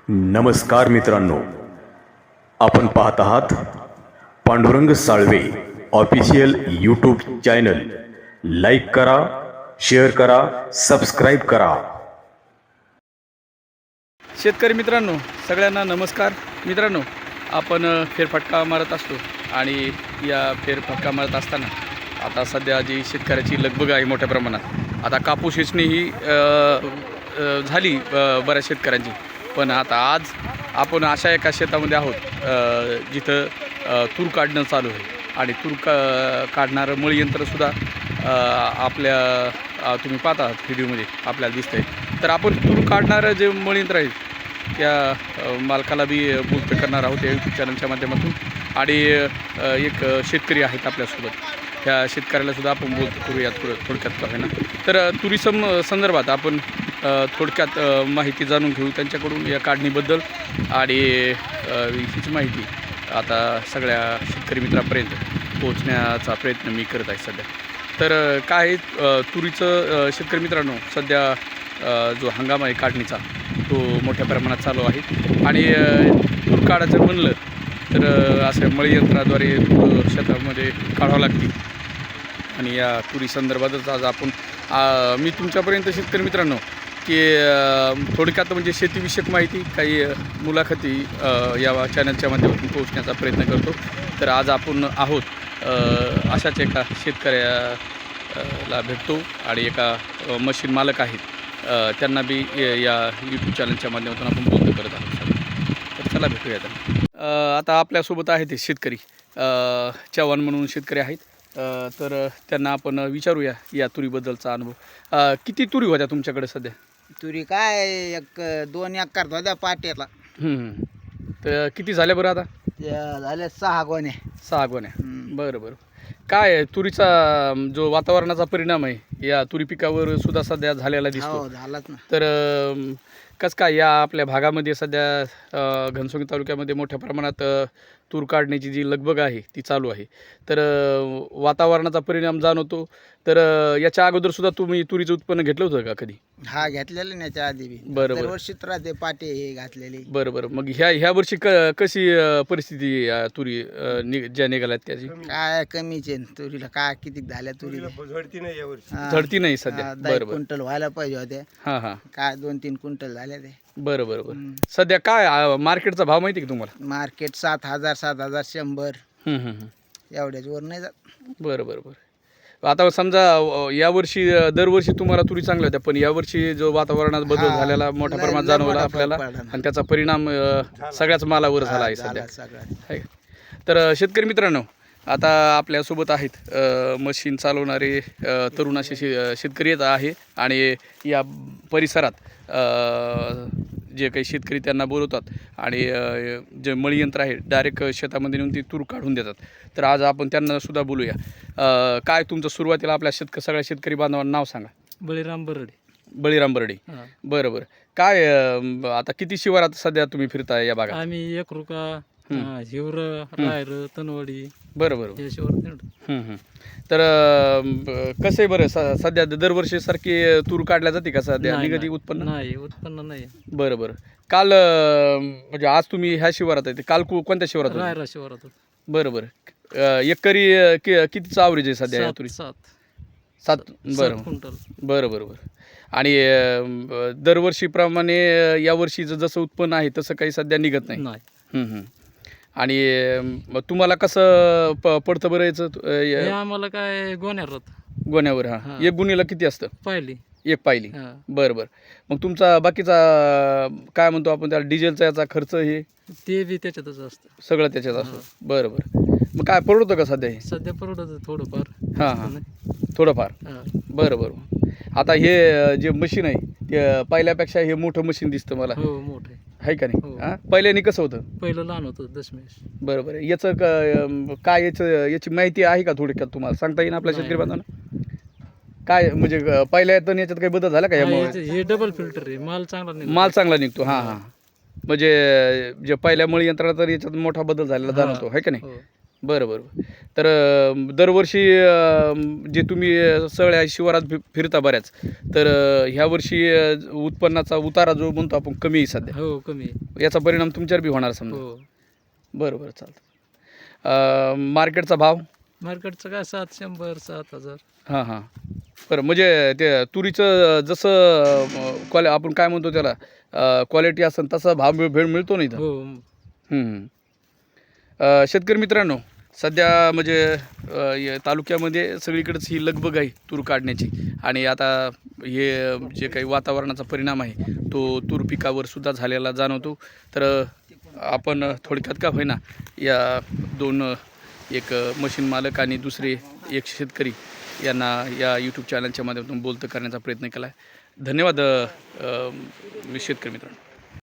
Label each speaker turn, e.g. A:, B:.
A: नमस्कार मित्रांनो, आपण पाहत आहात Pandurang Salve official YouTube channel. Like करा, शेअर करा, सबस्क्राईब करा.
B: शेतकरी मित्रांनो, सगळ्यांना नमस्कार. मित्रांनो, आपण फेरफटका मारत असतो आणि या फेरफटका मारत असताना आता सध्या जी शेतकऱ्याची लगबग आहे मोठ्या प्रमाणात. आता कापूस वेचणी ही झाली बऱ्याच शेतकऱ्यांची, पण आता आज आपण अशा एका शेतामध्ये आहोत जिथं तूर काढणं चालू आहे आणि तूर काढणारं मळीयंत्रसुद्धा आपल्या तुम्ही पाहता व्हिडिओमध्ये आपल्याला दिसतंय. तर आपण तूर काढणारं जे मळीयंत्र आहे त्या मालकाला बी बोलतं करणार आहोत या यूट्यूब चॅनलच्या माध्यमातून. आणि एक शेतकरी आहेत आपल्यासोबत, त्या शेतकऱ्यालासुद्धा आपण बोलतो करूयात थोडक्यात का ना. तर तुरी संदर्भात आपण थोडक्यात माहिती जाणून घेऊ त्यांच्याकडून या काढणीबद्दल. आणि हीच माहिती आता सगळ्या शेतकरी मित्रांपर्यंत पोहोचण्याचा प्रयत्न मी करत आहे सध्या. तर काय तुरीचं शेतकरी मित्रांनो, सध्या जो हंगाम आहे काढणीचा तो मोठ्या प्रमाणात चालू आहे. आणि तूर काढायचं म्हणलं तर असं मळीयंत्राद्वारे शेतामध्ये काढावं लागते. आणि या तुरी संदर्भातच आज आपण मी तुमच्यापर्यंत शेतकरी मित्रांनो की थोडक्यात म्हणजे शेतीविषयक माहिती, काही मुलाखती या चॅनलच्या माध्यमातून पोहोचण्याचा प्रयत्न करतो. तर आज आपण आहोत अशाच एका शेतकऱ्याला भेटतो आणि एका मशीन मालक आहेत, त्यांना बी या यूट्यूब चॅनलच्या माध्यमातून आपण बोलतो करत आहोत. तर चला भेटूया आता. आता आपल्यासोबत आहेत ते शेतकरी चव्हाण म्हणून शेतकरी आहेत. तर त्यांना आपण विचारूया या तुरीबद्दलचा अनुभव. किती तुरी होत्या तुमच्याकडे सध्या?
C: तुरी काय एक 2 एकर होत्या पाट्याला.
B: तर किती झाल्या बरं आता?
C: त्या झाल्या 6 गोण्या.
B: 6 गोण्या. बरं बरं. काय आहे तुरीचा जो वातावरणाचा परिणाम आहे या तुरी पिकावर सुद्धा सध्या झालेला दिसतो.
C: हो झालाच ना.
B: तर कसं काय या आपल्या भागामध्ये सध्या घनसोली तालुक्यामध्ये मोठ्या प्रमाणात तूर काढण्याची जी लगबग आहे ती चालू आहे. तर वातावरणाचा परिणाम जाणवतो. तर याच्या अगोदर सुद्धा तुम्ही तुरीचं उत्पन्न घेतलं होतं का कधी?
C: हा घेतलेलं नाही त्या आधी बी.
B: बरं.
C: दरवर्षीच राहते पाटे हे घातलेली.
B: बरं बरं. मग ह्या वर्षी कशी परिस्थिती तुरी ज्या निघाल्यात त्याची?
C: काय कमीच आहे तुरीला. काय किती झाल्या तुरीला?
B: झडती नाही सध्या.
C: 10
B: बरं बरं.
C: क्विंटल व्हायला पाहिजे होत्या.
B: हां हां.
C: काय 2-3 क्विंटल झाल्या ते.
B: बरं बरं बरं. सध्या काय मार्केटचा भाव माहिती आहे का तुम्हाला?
C: मार्केट 7,000 7,100 एवढ्याच वर नाही जात.
B: बरं बरं बरं. आता समजा यावर्षी दरवर्षी तुम्हाला तुरी चांगल्या होत्या, पण यावर्षी जो वातावरणात बदल झालेला मोठ्या प्रमाणात जाणवला आपल्याला आणि त्याचा परिणाम सगळ्याच मालावर झाला आहे सध्या. आहे. तर शेतकरी मित्रांनो, आता आपल्यासोबत आहेत मशीन चालवणारे तरुण असे शेतकरी येत आहे. आणि या परिसरात जे काही शेतकरी त्यांना बोलवतात आणि जे मळीयंत्र आहे डायरेक्ट शेतामध्ये नेऊन ती तूर काढून देतात. तर आज आपण त्यांना सुद्धा बोलूया. काय तुमचं सुरुवातीला आपल्या सगळ्या शेतकरी बांधवांना नाव सांगा.
D: बळीराम बरडे.
B: बळीराम बरडे. बरं बरं. काय आता किती शिवारात सध्या तुम्ही फिरताय या भागात?
D: आम्ही एकरुका, हिवर, रायर, तनवाडी.
B: बरं बरं.
D: या शिवारात.
B: तर कसं आहे बरं, सध्या दरवर्षी सारखी तूर काढल्या जाते का सध्या? निगदी उत्पन्न
D: नाही, उत्पन्न नाही.
B: बरं बरं. काल म्हणजे आज तुम्ही ह्या शिवारात आहे, काल कोणत्या शिवारात होते?
D: रायरा शिवारात.
B: बरं बरं. एकरी कितीचं आवरेज आहे सध्या या तुरी? 7. बरं
D: क्विंटल.
B: बरं बरं बरं. आणि दरवर्षीप्रमाणे यावर्षी जसं उत्पन्न आहे तसं काही सध्या निघत नाही. आणि मग तुम्हाला कसं पडतं बरं याचं
D: हे आम्हाला काय गोण्यावर
B: गोण्यावर? हां. एक गुणीला किती असतं?
D: पाहिली.
B: एक पायली. बरं बरं. मग तुमचा बाकीचा काय म्हणतो आपण त्याला डिझेलचा याचा खर्च हे
D: ते बी त्याच्यातच असतं.
B: सगळं त्याच्यात असतं. बरं बरं. मग काय परवडतं का सध्या हे?
D: सध्या परवडत थोडंफार.
B: हां हां. थोडंफार. बरं बरं. आता हे जे मशीन आहे ते पहिल्यापेक्षा हे मोठं मशीन दिसतं मला.
D: हो मोठं
B: आहे का नाही? हां. पहिल्याने कसं होतं?
D: पहिलं लहान होतं दशमेश.
B: बरं बरं. याचं काय याची माहिती आहे का थोडक्यात तुम्हाला सांगता येईल आपल्या शेतकरी बांधवांना? काय म्हणजे पहिल्या येतं याच्यात काही बदल झाला का यामुळे?
D: हे डबल फिल्टर आहे. माल चांगला नाही.
B: माल चांगला निघतो. हां हां. म्हणजे जे पहिल्या मळीयंत्राला तर याच्यात मोठा बदल झालेला जाणवतो, आहे का नाही? बरं बरं. तर दरवर्षी जे तुम्ही सगळ्या शिवारात फिरता बऱ्याच, तर ह्या वर्षी उत्पन्नाचा उतारा जो म्हणतो आपण कमी आहे सध्या,
D: हो कमी आहे.
B: याचा परिणाम तुमच्यावर बी होणार समजा.
D: हो
B: बरं बरं चालतं. मार्केटचा भाव?
D: मार्केटचं काय 700 7,000.
B: हां हां. बरं, म्हणजे ते तुरीचं जसं आपण काय म्हणतो त्याला क्वालिटी असेल तसा भाव भेळ मिळतो नाही इथं?
D: हो
B: शेतकरी मित्रांनो, सध्या म्हणजे या तालुक्यामध्ये सगळीकडेच ही लगबग आहे तूर काढण्याची, आणि आता हे जे काही वातावरणाचा परिणाम आहे तो तूर पिकावर सुद्धा झालेला जाणवतो. तर आपण थोडक्यात का होईना या दोन, एक मशीन मालक आणि दुसरे एक शेतकरी यांना या यूट्यूब चॅनलच्या माध्यमातून बोलतं करण्याचा प्रयत्न केला आहे. धन्यवाद शेतकरी मित्रांनो.